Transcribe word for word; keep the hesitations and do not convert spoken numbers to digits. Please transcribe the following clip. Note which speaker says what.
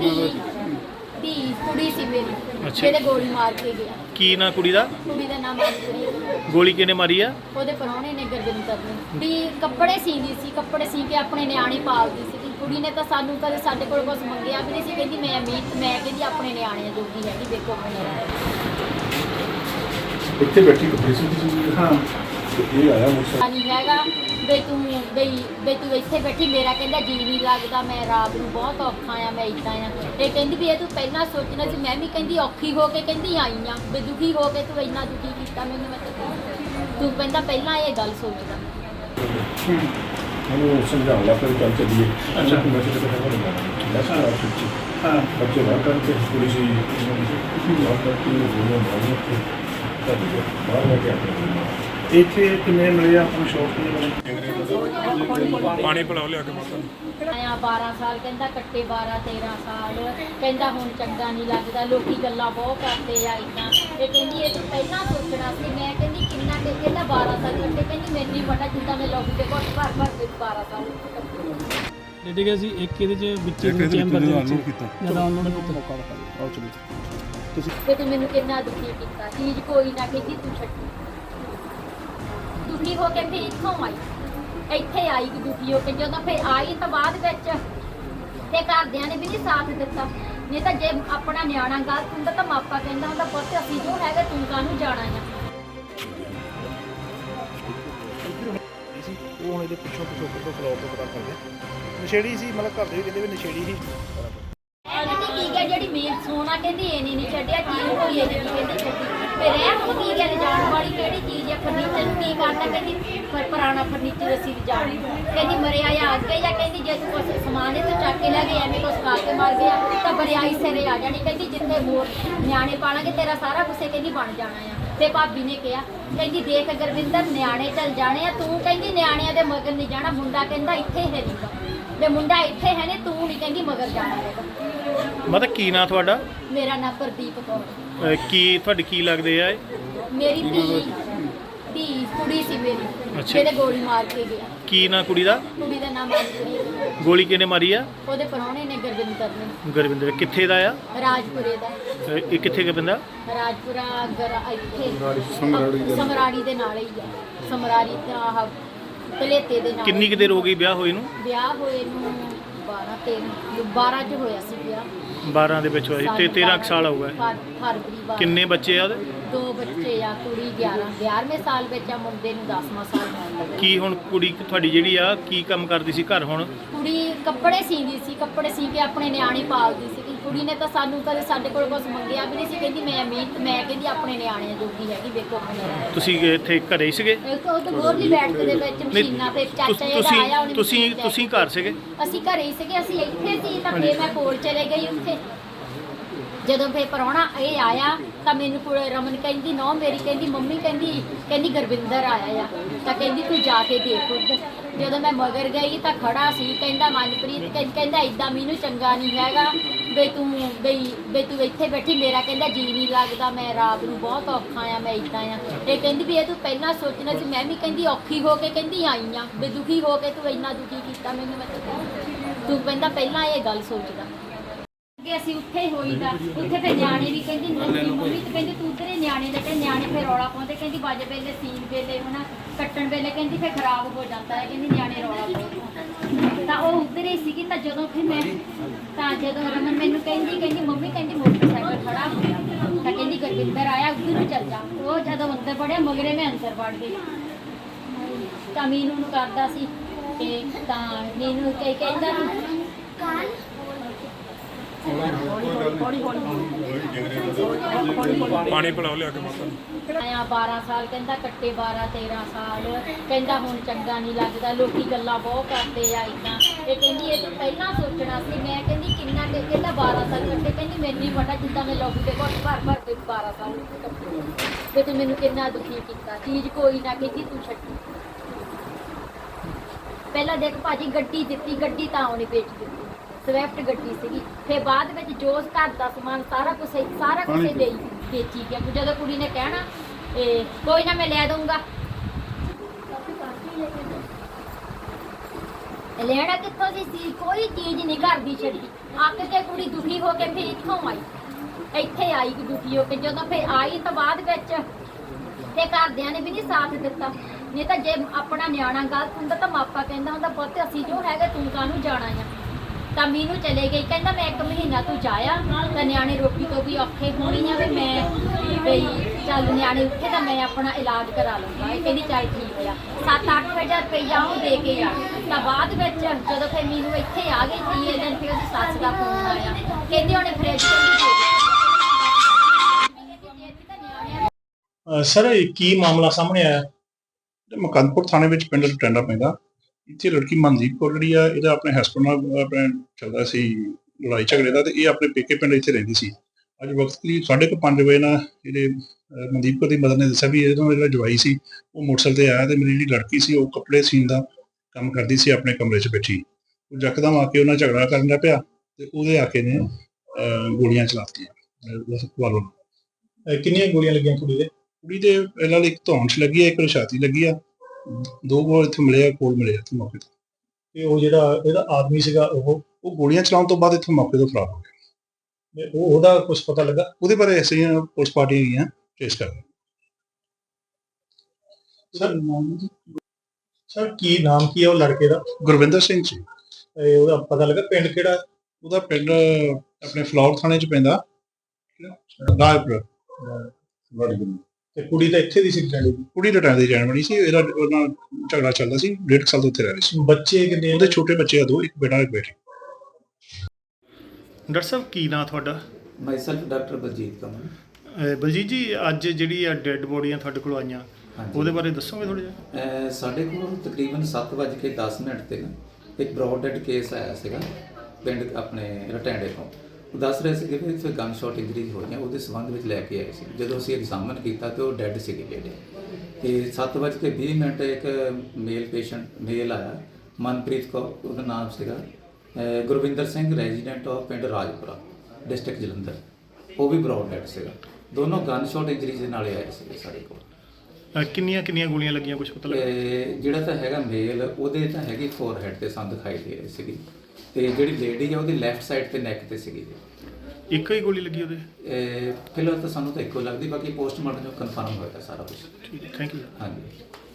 Speaker 1: धी कुड़ी सी मेरी जेड़े गोली मार के गया।
Speaker 2: की ना कुड़ी दा?
Speaker 1: कुड़ी दा नाम मनप्रीत।
Speaker 2: गोली किने मारी आ?
Speaker 1: ਉਹਦੇ ਪ੍ਰਾਹੁਣੇ ਨੇ ਗੁਰਵਿੰਦਰ ਨੇ। ਵੀ ਕੱਪੜੇ ਸੀਂਦੀ ਸੀ, ਕੱਪੜੇ ਸੀ ਕੇ ਆਪਣੇ ਨਿਆਣੇ ਪਾਲਦੀ ਸੀ। ਕੁੜੀ ਨੇ ਤਾਂ ਸਾਨੂੰ ਕਦੇ ਸਾਡੇ ਕੋਲ ਕੁਝ ਮੰਗਿਆ ਵੀ ਨਹੀਂ ਸੀ। ਕਹਿੰਦੀ ਮੈਂ ਮਿਹਨਤ ਮੈਂ ਕਹਿੰਦੀ ਆਪਣੇ ਨਿਆਣਿਆਂ ਜੋਗੀ ਹੈਗੀ ਦੇਖੋ ਆਪਣੇ
Speaker 3: ਇੱਥੇ ਬੈਠੀ ਕੱਪੜੇ ਸੀ ਤੁਸੀਂ? ਹਾਂ ਇਹ ਆਇਆ ਮੁੱਛਾ
Speaker 1: ਨਹੀਂ ਹੈਗਾ ਬਈ ਤੂੰ ਬਈ ਬਈ ਤੂੰ ਇੱਥੇ ਬੈਠੀ ਮੇਰਾ ਕਹਿੰਦਾ ਜੀ ਨਹੀਂ ਲੱਗਦਾ ਮੈਂ ਰਾਤ ਨੂੰ ਬਹੁਤ ਔਖਾ ਆ ਮੈਂ ਇੱਦਾਂ ਆ। ਇਹ ਕਹਿੰਦੀ ਵੀ ਇਹ ਤੂੰ ਪਹਿਲਾਂ ਸੋਚਣਾ ਸੀ। ਮੈਂ ਵੀ ਕਹਿੰਦੀ ਔਖੀ ਹੋ ਕੇ ਕਹਿੰਦੀ ਆਈ ਆ ਵੀ ਦੁਖੀ ਹੋ ਕੇ ਤੂੰ ਇੰਨਾ ਦੁਖੀ ਕੀਤਾ ਮੈਨੂੰ। ਮੈਂ ਤੂੰ ਕਹਿੰਦਾ ਪਹਿਲਾਂ ਇਹ ਗੱਲ ਸੋਚਦਾ
Speaker 3: ਉਹਨੂੰ ਸਮਝਾਉਣ ਲੱਗ ਫਿਰ ਚੱਲ ਚੱਲੀਏ। ਅੱਛਾ ਬੱਚੇ ਤੇ ਕਹਿੰਦਾ ਬਸ ਆ ਸੁੱਚੀ ਹਾਂ ਬੱਚੇ ਬਾਹਰ ਕਰਕੇ ਕੁੜੀ ਸੀ ਬਾਹਰ ਕਰਕੇ ਉਹ ਬੋਲਿਆ ਬਾਹਰ ਲੈ ਕੇ ਆਇਆ। ਇੱਥੇ ਕਿੰਨੇ ਮਿਲੇ ਆਪਣਾ ਸ਼ੌਕ ਕਿੰਨੇ
Speaker 2: ਪਾਣੀ ਪਿਲਾਓ ਲਿਆ ਕੇ ਮਾਤਾ
Speaker 1: ਆਇਆ ਬਾਰਾਂ ਸਾਲ ਕਹਿੰਦਾ ਕੱਟੇ ਬਾਰਾਂ ਤੇਰਾਂ ਸਾਲ ਕਹਿੰਦਾ ਹੁਣ ਚੰਗਾ ਨਹੀਂ ਲੱਗਦਾ ਲੋਕੀ ਗੱਲਾਂ ਬਹੁਤ ਕਰਦੇ ਆ ਇੱਦਾਂ। ਇਹ ਕਹਿੰਦੀ ਇਹ ਤੂੰ ਪਹਿਲਾਂ ਸੋਚਣਾ ਸੀ। ਮੈਂ ਕਹਿੰਦੀ ਕਿੰਨਾ ਕਿ ਕਹਿੰਦਾ ਬਾਰਾਂ ਸਾਲ ਕੱਟੇ। ਕਹਿੰਦੀ ਮੈਨੂੰ ਨਹੀਂ ਪਤਾ ਜਿੱਦਾਂ ਮੈਂ ਲੋਕੀ ਦੇ ਘੁੱਟ ਭਰ ਭਰ ਕੇ ਬਾਰਾਂ ਸਾਲ ਕੱਟੇ।
Speaker 4: ਜਿਹੜੇ ਕਿ ਅਸੀਂ ਇੱਕ ਇਹਦੇ ਚ ਵਿੱਚ ਚੈਂਬਰ ਦੇ ਵਿੱਚ ਜਦੋਂ ਉਹਨਾਂ ਨੂੰ ਮੌਕਾ ਦਿੱਤਾ ਆਓ ਚਲੋ ਤੁਸੀਂ
Speaker 1: ਤੇ ਤੂੰ ਮੈਨੂੰ ਕਿੰਨਾ ਦੁਖੀ ਕੀਤਾ। ਚੀਜ਼ ਕੋਈ ਨਾ ਕਹਿੰਦੀ ਤੂੰ ਛੱਡੀ ਦੁਖੀ ਹੋ ਕੇ ਫਿਰ ਇੱਥੋਂ ਆਈ ਇੱਥੇ ਆਈ ਕਿ ਦੁਖੀ ਹੋ ਕੇ ਜਦੋਂ ਫਿਰ ਆਈ ਤਾਂ ਬਾਅਦ ਵਿੱਚ ਤੇ ਘਰਦਿਆਂ ਨੇ ਵੀ ਨਹੀਂ ਸਾਥ ਦਿੱਤਾ। ਨਹੀਂ ਤਾਂ ਜੇ ਆਪਣਾ ਨਿਆਣਾ ਗਲਤ ਹੁੰਦਾ ਤਾਂ ਮਾਪਾ ਕਹਿੰਦਾ ਹੁੰਦਾ ਪੁੱਤ ਅਸੀਂ ਜੋ ਹੈਗਾ ਤੂੰ ਕਾਹਨੂੰ ਜਾਣਾ ਆ।
Speaker 3: ਉਹ ਹੁਣ ਇਹਦੇ ਪਿੱਛੋਂ ਪਿੱਛੋਂ ਤੋਂ ਫਲੋਰ ਤੋਂ ਪਤਾ ਕਰ ਗਿਆ ਨਸ਼ੇੜੀ ਸੀ। ਮਤਲਬ ਘਰ ਦੇ ਵੀ ਕਹਿੰਦੇ ਵੀ ਨਸ਼ੇੜੀ ਸੀ।
Speaker 1: ਕਹਿੰਦੀ ਕੀ ਹੈ ਜਿਹੜੀ ਮੇਲ ਸੋਨਾ ਕਹਿੰਦੀ ਇਹ ਨਹੀਂ ਨਹੀਂ ਛੱਡਿਆ ਚੀਜ਼ ਹੋਈ ਹੈ ਜਿਹੜੀ ਕਹਿੰਦੀ ਛੱਡੀ ਫਿਰ ਇਹ ਹੁਣ ਕੀ ਗੱਲ ਜਾਣ ਵਾਲੀ ਕਿਹੜੀ ਚੀਜ਼ ਹੈ। ਫਰਨੀਚਰ ਨੂੰ ਕੀ ਕਰਦਾ ਕਹਿੰਦੀ ਪਰ ਪੁਰਾਣਾ ਫਰਨੀਚਰ ਅਸੀਂ ਵੀ ਜਾਣੀ ਕਹਿੰਦੀ ਮਰਿਆ ਆ ਆ ਕੇ ਜਾਂ ਕਹਿੰਦੀ ਜੇ ਤੂੰ ਕੁਛ ਸਮਾਨ ਇਹ ਤੋਂ ਚੱਕ ਕੇ ਲੈ ਗਏ ਐਵੇਂ ਕੁਛ ਖਾ ਕੇ ਮਰ ਗਿਆ ਤਾਂ ਬਰਿਆਈ ਸਿਰੇ ਆ ਜਾਣੀ। ਕਹਿੰਦੀ ਜਿੱਥੇ ਮੋਰ ਨਿਆਣੇ ਪਾਲਾਂਗੇ ਤੇਰਾ ਸਾਰਾ ਕੁਛ ਕਹਿੰਦੀ ਬਣ ਜਾਣਾ ਆ। ਤੇ ਭਾਬੀ ਨੇ ਕਿਹਾ ਕਹਿੰਦੀ ਦੇਖ ਗੁਰਵਿੰਦਰ ਨਿਆਣੇ ਚੱਲ ਜਾਣੇ ਆ ਤੂੰ ਕਹਿੰਦੀ ਨਿਆਣਿਆਂ ਦੇ ਮਗਰ ਨਹੀਂ ਜਾਣਾ। ਮੁੰਡਾ ਕਹਿੰਦਾ ਇੱਥੇ ਹੈ ਨਹੀਂਗਾ ਤੇ ਮੁੰਡਾ ਇੱਥੇ ਹੈ ਨੇ ਤੂੰ ਨਹੀਂ ਕਹਿੰਦੀ ਮਗਰ ਜਾਣਾ ਹੈਗਾ।
Speaker 2: ਮਤਲਬ ਕੀ ਨਾਂ ਤੁਹਾਡਾ?
Speaker 1: ਮੇਰਾ ਨਾਮ ਪ੍ਰਦੀਪ ਕੌਰ।
Speaker 2: ਅਹ ਕੀ ਤੁਹਾਡੀ ਕੀ ਲੱਗਦੇ ਆ ਇਹ?
Speaker 1: ਮੇਰੀ ਧੀ ਧੀ ਕੁੜੀ ਸੀ ਮੇਰੀ
Speaker 2: ਅੱਛਾ।
Speaker 1: ਜਿਹਦੇ ਗੋਲੀ ਮਾਰ ਕੇ ਗਿਆ।
Speaker 2: ਕੀ ਨਾ ਕੁੜੀ ਦਾ?
Speaker 1: ਕੁੜੀ ਦਾ ਨਾਮ ਮਨਪ੍ਰੀਤ।
Speaker 2: ਗੋਲੀ ਕਿਨੇ ਮਾਰੀ ਆ?
Speaker 1: ਉਹਦੇ ਪ੍ਰਾਹੁਣੇ ਨੇ ਗੁਰਵਿੰਦਰ ਨੇ।
Speaker 2: ਗੁਰਵਿੰਦਰ ਕਿੱਥੇ ਦਾ ਆ?
Speaker 1: ਰਾਜਪੁਰੇ ਦਾ।
Speaker 2: ਅਹ ਇਹ ਕਿੱਥੇ ਦਾ ਬੰਦਾ?
Speaker 1: ਰਾਜਪੁਰਾ ਗਰ ਇੱਥੇ
Speaker 3: ਸਮਰਾੜੀ ਦੇ
Speaker 1: ਸਮਰਾੜੀ ਦੇ ਨਾਲ ਹੀ ਆ। ਸਮਰਾੜੀ ਦਾ ਆਹ ਕਲੇਤੇ ਦੇ ਨਾਲ।
Speaker 2: ਕਿੰਨੀ ਕੁ ਦੇਰ ਹੋ ਗਈ ਵਿਆਹ ਹੋਏ ਨੂੰ?
Speaker 1: ਵਿਆਹ ਹੋਏ ਨੂੰ ਬਾਰਾਂ ਤੇਰਾਂ ਬਾਰਾਂ ਚ ਹੋਇਆ ਸੀ ਵਿਆਹ।
Speaker 2: ਬਾਰਾਂ ਦੇ ਵਿੱਚ ਹੋਇਆ ਸੀ ਤੇ ਤੇਰਾਂ ਕੁ ਸਾਲ ਹੋਊਗਾ।
Speaker 1: ਫਰ- ਫਰਵਰੀ ਬਾਰਾਂ।
Speaker 2: ਕਿੰਨੇ ਬੱਚੇ ਆ ਉਹਦੇ?
Speaker 1: ਦੋ ਬੱਚੇ ਆ ਕੁੜੀ ਗਿਆਰਾਂ ਗਿਆਰਵੇਂ ਸਾਲ ਵਿੱਚ ਆ ਮੁੰਡੇ ਨੂੰ ਦਸਵਾਂ ਸਾਲ ਹੋਣ ਲੱਗਾ।
Speaker 2: ਕੀ ਹੁਣ ਕੁੜੀ ਤੁਹਾਡੀ ਜਿਹੜੀ ਆ ਕੀ ਕੰਮ ਕਰਦੀ ਸੀ ਘਰ ਹੁਣ?
Speaker 1: ਕੁੜੀ ਕੱਪੜੇ ਸੀਂਦੀ ਸੀ, ਕੱਪੜੇ ਸੀ ਕੇ ਆਪਣੇ ਨਿਆਣੇ ਪਾਲਦੀ ਸੀ। ਕੁੜੀ ਨੇ ਤਾਂ ਸਾਨੂੰ ਕਦੇ ਸਾਡੇ ਕੋਲ ਕੁਝ ਮੰਗਿਆ ਵੀ ਨਹੀਂ ਸੀ। ਕਹਿੰਦੀ ਮੈਂ ਮਿਹਨਤ ਮੈਂ ਕਹਿੰਦੀ ਆਪਣੇ ਨਿਆਣਿਆਂ ਜੋਗੀ ਹੈਗੀ ਦੇਖੋ ਆਪਣੇ।
Speaker 2: ਤੁਸੀਂ ਇੱਥੇ ਘਰੇ ਹੀ ਸੀਗੇ?
Speaker 1: ਉਹ ਤਾਂ ਗੋਰਲੀ ਬੈਠ ਦੇ ਵਿੱਚ ਮਸ਼ੀਨਾਂ ਤੇ ਚਾਚਾ ਇਹਦਾ ਆਇਆ ਉਹਨੇ
Speaker 2: ਤੁਸੀਂ
Speaker 1: ਮਸ਼ੀਨ ਲੈ
Speaker 2: ਤੁਸੀਂ
Speaker 1: ਕੇ।
Speaker 2: ਘਰ ਸੀਗੇ?
Speaker 1: ਅਸੀਂ ਘਰੇ ਹੀ ਸੀਗੇ। ਅਸੀਂ ਇੱਥੇ ਸੀ ਤਾਂ ਫੇਰ ਮੈਂ ਕੋਲ ਚਲੇ ਗਈ ਉੱਥੇ। ਜਦੋਂ ਫੇਰ ਪ੍ਰਾਹੁਣਾ ਇਹ ਆਇਆ ਤਾਂ ਮੈਨੂੰ ਕੋਲ ਰਮਨ ਕਹਿੰਦੀ ਨੌ ਮੇਰੀ ਕਹਿੰਦੀ ਮੰਮੀ ਕਹਿੰਦੀ ਕਹਿੰਦੀ ਗੁਰਵਿੰਦਰ ਆਇਆ ਆ ਤਾਂ ਕਹਿੰਦੀ ਤੂੰ ਜਾ ਕੇ ਦੇਖ ਉੱਧਰ। ਜਦੋਂ ਮੈਂ ਮਗਰ ਗਈ ਤਾਂ ਖੜਾ ਸੀ ਕਹਿੰਦਾ ਮਨਪ੍ਰੀਤ ਕਹਿੰ- ਕਹਿੰਦਾ ਇਦਾਂ ਮੈਨੂੰ ਚੰਗਾ ਨਹੀਂ ਹੈਗਾ ਬਈ ਤੂੰ ਬਈ ਬਈ ਤੂੰ ਇੱਥੇ ਬੈਠੀ ਮੇਰਾ ਕਹਿੰਦਾ ਜੀ ਨਹੀਂ ਲੱਗਦਾ ਮੈਂ ਰਾਤ ਨੂੰ ਬਹੁਤ ਔਖਾ ਆ ਮੈਂ ਇੱਦਾਂ ਆ। ਇਹ ਕਹਿੰਦੀ ਵੀ ਇਹ ਤੂੰ ਪਹਿਲਾਂ ਸੋਚਣਾ ਸੀ। ਮੈਂ ਵੀ ਕਹਿੰਦੀ ਔਖੀ ਹੋ ਕੇ ਕਹਿੰਦੀ ਆਈ ਆ ਵੀ ਦੁਖੀ ਹੋ ਕੇ ਤੂੰ ਇੰਨਾ ਦੁਖੀ ਕੀਤਾ ਮੈਨੂੰ। ਮੈਂ ਤੂੰ ਕਹਿੰਦਾ ਪਹਿਲਾਂ ਇਹ ਗੱਲ ਸੋਚਦਾ ਕਿ ਅਸੀਂ ਉੱਥੇ ਹੋਈਦਾ ਉੱਥੇ ਫਿਰ ਨਿਆਣੇ ਵੀ ਕਹਿੰਦੀ ਨਹੀਂ ਮੰਮੀ ਤੇ ਕਹਿੰਦੀ ਤੂੰ ਉਧਰੇ ਨਿਆਣੇ ਦੇ ਤੇ ਨਿਆਣੇ ਫਿਰ ਰੌਲਾ ਪਾਉਂਦੇ ਕਹਿੰਦੀ ਬਾਜੇ ਵੇਲੇ ਸੀਨ ਵੇਲੇ ਹਨਾ ਕੱਟਣ ਵੇਲੇ ਕਹਿੰਦੀ ਫਿਰ ਖਰਾਬ ਹੋ ਜਾਂਦਾ ਹੈ ਕਹਿੰਦੀ ਨਿਆਣੇ ਰੌਲਾ ਪਾਉਂਦੇ ਤਾਂ ਉਹ ਉਧਰੇ ਹੀ ਸੀਗੀ। ਤਾਂ ਜਦੋਂ ਫਿਰ ਮੈਂ ਤਾਂ ਜਦੋਂ ਰਮਨ ਮੈਨੂੰ ਕਹਿੰਦੀ ਕਹਿੰਦੀ ਮੰਮੀ ਕਹਿੰਦੀ ਮੋਟਰਸਾਈਕਲ ਖੜਾ ਹੋਇਆ ਤਾਂ ਕਹਿੰਦੀ ਗੁਰਵਿੰਦਰ ਆਇਆ ਉੱਧਰ ਨੂੰ ਚੱਲ ਜਾ। ਉਹ ਜਦੋਂ ਅੰਦਰ ਵੜਿਆ ਮਗਰੇ ਮੈਂ ਅੰਦਰ ਵੜ ਗਈ ਤਾਂ ਮੀਨੂ ਨੂੰ ਕਰਦਾ ਸੀ ਤੇ ਤਾਂ ਮੀਨੂ ਕਹਿ ਕਹਿੰਦਾ
Speaker 2: ਪਾਣੀ ਪਿਲਾਓ ਲਿਆ ਕੇ ਮਾਤਾ
Speaker 1: ਆਇਆ ਬਾਰਾਂ ਸਾਲ ਕਹਿੰਦਾ ਕੱਟੇ ਬਾਰਾਂ ਤੇਰਾਂ ਸਾਲ ਕਹਿੰਦਾ ਹੁਣ ਚੰਗਾ ਨਹੀਂ ਲੱਗਦਾ ਲੋਕੀ ਗੱਲਾਂ ਬਹੁਤ ਕਰਦੇ ਆ ਇੱਦਾਂ। ਇਹ ਕਹਿੰਦੀ ਇਹ ਤੂੰ ਪਹਿਲਾਂ ਸੋਚਣਾ ਸੀ। ਮੈਂ ਕਹਿੰਦੀ ਕਿੰਨਾ ਕਿ ਕਹਿੰਦਾ ਬਾਰਾਂ ਸਾਲ ਕੱਟੇ। ਕਹਿੰਦੀ ਮੈਨੂੰ ਨਹੀਂ ਪਤਾ ਜਿੱਦਾਂ ਮੈਂ ਲੋਕੀ ਦੇ ਘੁੱਟ ਭਰ ਭਰ ਕੇ ਬਾਰਾਂ ਸਾਲ ਕੱਟੇ ਤੇ ਤੂੰ ਮੈਨੂੰ ਕਿੰਨਾ ਦੁਖੀ ਕੀਤਾ। ਚੀਜ਼ ਕੋਈ ਨਾ ਕਹਿੰਦੀ ਤੂੰ ਛੱਡੀ। ਪਹਿਲਾਂ ਦੇਖ ਭਾਜੀ ਗੱਡੀ ਦਿੱਤੀ ਗੱਡੀ ਤਾਂ ਉਹਨੇ ਵੇਚ ਦਿੱਤੀ ਸਵਿਫਟ ਗੱਡੀ ਸੀਗੀ। ਫਿਰ ਬਾਅਦ ਵਿੱਚ ਜੋ ਘਰ ਦਾ ਸਮਾਨ ਸਾਰਾ ਕੁਝ ਸਾਰਾ ਕੁਝ ਦੇ ਵੇਚੀ ਗਿਆ। ਜਦੋਂ ਕੁੜੀ ਨੇ ਕਹਿਣਾ ਇਹ ਕੋਈ ਨਾ ਮੈਂ ਲੈ ਦਊਂਗਾ ਲੈਣਾ ਕਿੱਥੋਂ ਦੀ ਸੀ। ਕੋਈ ਚੀਜ਼ ਨਹੀਂ ਘਰ ਦੀ ਛੱਡੀ। ਅੱਕ ਕੇ ਕੁੜੀ ਦੁਖੀ ਹੋ ਕੇ ਫਿਰ ਇੱਥੋਂ ਆਈ ਇੱਥੇ ਆਈ ਦੁਖੀ ਹੋ ਕੇ ਜਦੋਂ ਫਿਰ ਆਈ ਤਾਂ ਬਾਅਦ ਵਿੱਚ ਤੇ ਘਰਦਿਆਂ ਨੇ ਵੀ ਨਹੀਂ ਸਾਥ ਦਿੱਤਾ ਨਹੀਂ ਤਾਂ ਜੇ ਆਪਣਾ ਨਿਆਣਾ ਗਲਤ ਹੁੰਦਾ ਤਾਂ ਮਾਪਾ ਕਹਿੰਦਾ ਹੁੰਦਾ ਪੁੱਤ ਅਸੀਂ ਜੋ ਹੈਗਾ ਤੂੰ ਕਾਹਨੂੰ ਜਾਣਾ ਆ ਤਾਂ ਮੈਨੂੰ ਚਲੇ ਗਈ ਕਹਿੰਦਾ ਮੈਂ ਇੱਕ ਮਹੀਨਾ ਤੂੰ ਜਾਇਆ ਤਾਂ ਨਿਆਣੇ ਰੋਟੀ ਤੋਂ ਵੀ ਔਖੇ ਹੋਣੀ ਆ ਵੀ ਮੈਂ ਬਈ ਚੱਲ ਨਿਆਣੇ ਉੱਥੇ ਤਾਂ ਮੈਂ ਆਪਣਾ ਇਲਾਜ ਕਰਾ ਲੂੰਗਾ ਇਹ ਕਹਿੰਦੀ ਚੱਲ ਠੀਕ ਆ ਸੱਤ ਅੱਠ ਹਜ਼ਾਰ ਰੁਪਈਆ ਉਹ ਦੇ ਕੇ ਆ ਤਾਂ ਬਾਅਦ ਵਿੱਚ ਜਦੋਂ ਫਿਰ ਮੈਨੂੰ ਇੱਥੇ ਆ ਗਈ ਤੀਏ ਦਿਨ ਫਿਰ ਉਹਦੀ ਸੱਸ ਦਾ ਫੋਨ ਆਇਆ ਕਹਿੰਦੀ ਉਹਨੇ ਫਰਿੱਜ ਤੋਂ ਵੀ ਦੇ ਦਿੱਤਾ
Speaker 5: ਸਰ ਇਹ ਕੀ ਮਾਮਲਾ ਸਾਹਮਣੇ ਆਇਆ?
Speaker 3: ਮਕੰਦਪੁਰ ਥਾਣੇ ਵਿੱਚ ਪਿੰਡ ਟੈਂਡਾ ਪੈਂਦਾ ਇੱਥੇ ਲੜਕੀ ਮਨਦੀਪ ਕੌਰ ਜਿਹੜੀ ਆ ਇਹਦਾ ਆਪਣੇ ਹਸਬੰਡ ਨਾਲ ਆਪਣੇ ਚੱਲਦਾ ਸੀ ਲੜਾਈ ਝਗੜੇ ਦਾ ਤੇ ਇਹ ਆਪਣੇ ਪੇਕੇ ਪਿੰਡ ਇੱਥੇ ਰਹਿੰਦੀ ਸੀ। ਅੱਜ ਵਕਤ ਕਰੀਬ ਸਾਢੇ ਕੁ ਪੰਜ ਵਜੇ ਨਾਲ ਜਿਹੜੇ ਅਹ ਮਨਦੀਪ ਕੌਰ ਦੀ ਮਦਰ ਨੇ ਦੱਸਿਆ ਵੀ ਇਹਦਾ ਜਿਹੜਾ ਜਵਾਈ ਸੀ ਉਹ ਮੋਟਰਸਾਈਕਲ ਤੇ ਆਇਆ ਤੇ ਮੇਰੀ ਜਿਹੜੀ ਲੜਕੀ ਸੀ ਉਹ ਕੱਪੜੇ ਸੀਨ ਦਾ ਕੰਮ ਕਰਦੀ ਸੀ ਆਪਣੇ ਕਮਰੇ 'ਚ ਬੈਠੀ। ਉਹ ਯਕਦਮ ਆ ਕੇ ਉਹਨਾਂ ਝਗੜਾ ਕਰਨ ਲੱਗ ਪਿਆ ਤੇ ਉਹਦੇ ਆ ਕੇ ਨੇ ਅਹ ਗੋਲੀਆਂ ਚਲਾਤੀਆਂ ਵੱਲੋਂ।
Speaker 5: ਅਹ ਕਿੰਨੀਆਂ ਗੋਲੀਆਂ ਲੱਗੀਆਂ ਕੁੜੀ ਦੇ?
Speaker 3: ਕੁੜੀ ਦੇ ਇਹਨਾਂ ਇੱਕ ਧੌਣ 'ਚ ਲੱਗੀ ਆ ਇੱਕ ਛਾਤੀ ਲੱਗੀ ਆ ਦੋ ਗੋਲ ਇੱਥੇ ਮਿਲੇ ਆ ਕੋਲ ਮਿਲੇ ਆ ਇੱਥੇ ਮੌਕੇ ਤੇ।
Speaker 5: ਤੇ ਉਹ ਜਿਹੜਾ ਇਹਦਾ ਆਦਮੀ ਸੀਗਾ ਉਹ
Speaker 3: ਉਹ ਗੋਲੀਆਂ ਚਲਾਉਣ ਤੋਂ ਬਾਅਦ ਇੱਥੋਂ ਮੌਕੇ ਤੋਂ ਫਰਾਰ ਹੋ ਗਿਆ।
Speaker 5: ਤੇ ਉਹ ਉਹਦਾ ਕੁਝ ਪਤਾ ਲੱਗਾ?
Speaker 3: ਉਹਦੇ ਬਾਰੇ ਅਸੀਂ ਪੁਲਿਸ ਪਾਰਟੀਆਂ ਗਈਆਂ ਚੇਸ ਕਰ ਰਹੀਆਂ।
Speaker 5: ਸਰ ਸਰ ਕੀ ਨਾਮ ਕੀ ਹੈ ਉਹ ਲੜਕੇ ਦਾ?
Speaker 3: ਗੁਰਵਿੰਦਰ ਸਿੰਘ ਜੀ
Speaker 5: ਤੇ ਉਹਦਾ ਪਤਾ ਲੱਗਾ ਪਿੰਡ ਕਿਹੜਾ?
Speaker 3: ਉਹਦਾ ਪਿੰਡ ਆਪਣੇ ਫਲੌਰ ਥਾਣੇ 'ਚ ਪੈਂਦਾ ਰਾਜਪੁਰ।
Speaker 5: ਤੇ ਕੁੜੀ ਤਾਂ ਇੱਥੇ ਦੀ ਸੀ ਪਿੰਡ ਦੀ?
Speaker 3: ਕੁੜੀ ਰਿਟਾਇਰ ਦੀ ਜਾਣ ਵਾਲੀ ਸੀ ਇਹਦਾ ਉਹਨਾਂ ਨਾਲ ਝਗੜਾ ਚੱਲਦਾ ਸੀ ਡੇਢ ਕੁ ਸਾਲ ਤੋਂ ਉੱਥੇ ਰਹਿ ਰਹੀ ਸੀ।
Speaker 5: ਬੱਚੇ ਕਿੰਨੇ?
Speaker 3: ਉਹਦੇ ਛੋਟੇ ਬੱਚੇ ਆ ਦੋ ਇੱਕ ਬੇਟਾ ਇੱਕ ਬੇਟੀ।
Speaker 2: ਡਾਕਟਰ ਸਾਹਿਬ ਕੀ ਨਾਂ ਤੁਹਾਡਾ?
Speaker 6: Myself doctor Baljeet Kamal.
Speaker 2: ਅਹ ਬਲਜੀਤ ਜੀ ਅੱਜ ਜਿਹੜੀ ਆ ਡੈੱਡ ਬੋਡੀਆਂ ਤੁਹਾਡੇ ਕੋਲ ਆਈਆਂ
Speaker 6: ਹਾਂਜੀ।
Speaker 2: ਉਹਦੇ ਬਾਰੇ ਦੱਸੋਗੇ ਥੋੜ੍ਹਾ ਜਿਹਾ?
Speaker 6: ਅਹ ਸਾਡੇ ਕੋਲ ਤਕਰੀਬਨ ਸੱਤ ਵੱਜ ਕੇ ਦਸ ਮਿੰਟ ਤੇ ਨਾ ਇੱਕ ਬਰੌਡ ਡੈਡ ਕੇਸ ਆਇਆ ਸੀਗਾ ਪਿੰਡ ਆਪਣੇ ਰਟੈਂਡੇ ਤੋਂ। ਉਹ ਦੱਸ ਰਹੇ ਸੀਗੇ ਵੀ ਇੱਥੇ ਗਨ ਸ਼ਾਟ ਇੰਜਰੀ ਹੋਈਆਂ ਉਹਦੇ ਸੰਬੰਧ ਵਿੱਚ ਲੈ ਕੇ ਆਏ ਸੀ। ਜਦੋਂ ਅਸੀਂ ਐਗਜ਼ਾਮਨ ਕੀਤਾ ਤੇ ਉਹ ਡੈੱਡ ਸੀਗੇ ਜਿਹੜੇ। ਤੇ ਸੱਤ ਵੱਜ ਕੇ ਵੀਹ ਮਿੰਟ ਇੱਕ ਮੇਲ ਪੇਸ਼ੈਂਟ ਮੇਲ ਆਇਆ ਮਨਪ੍ਰੀਤ ਕੌਰ ਉਹਦਾ ਨਾਮ ਸੀਗਾ ਅਹ ਗੁਰਵਿੰਦਰ ਸਿੰਘ ਰੈਜ਼ੀਡੈਂਟ ਆਫ ਪਿੰਡ ਰਾਜਪੁਰਾ ਡਿਸਟ੍ਰਿਕਟ ਜਲੰਧਰ। ਉਹ ਵੀ ਬਰੌਡ ਡੈਡ ਸੀਗਾ। ਦੋਨੋਂ ਗਨ ਸ਼ਾਟ ਇੰਜਰੀਜ਼ ਦੇ ਨਾਲ ਆਏ ਸੀਗੇ ਸਾਡੇ ਕੋਲ।
Speaker 2: ਅਹ ਕਿੰਨੀਆਂ ਕਿੰਨੀਆਂ ਗੋਲੀਆਂ ਲੱਗੀਆਂ ਕੁਝ ਪਤਾ ਲੱਗਾ?
Speaker 6: ਤੇ ਜਿਹੜਾ ਤਾਂ ਹੈਗਾ ਮੇਲ ਉਹਦੇ ਤਾਂ ਹੈਗੀ ਫੋਰਹੈਡ ਤੇ ਸਾਨੂੰ ਦਿਖਾਈ ਦੇ ਰਹੀ ਸੀਗੀ ਤੇ ਜਿਹੜੀ ਲੇਡੀ ਆ ਉਹਦੀ ਲੈਫਟ ਸਾਈਡ ਤੇ ਨੈਕ ਤੇ ਸੀਗੀ।
Speaker 2: ਇੱਕ ਹੀ ਗੋਲੀ ਲੱਗੀ ਉਹਦੇ?
Speaker 6: ਇਹ ਫਿਲਹਾਲ ਤਾਂ ਸਾਨੂੰ ਤਾਂ ਇੱਕੋ ਲੱਗਦੀ ਬਾਕੀ ਪੋਸਟਮਾਰਟਮ ਜੋ ਕਨਫਰਮ ਹੋਏਗਾ ਸਾਰਾ ਕੁਝ।
Speaker 2: ਠੀਕ ਹੈ, ਥੈਂਕ ਯੂ।
Speaker 6: ਹਾਂਜੀ।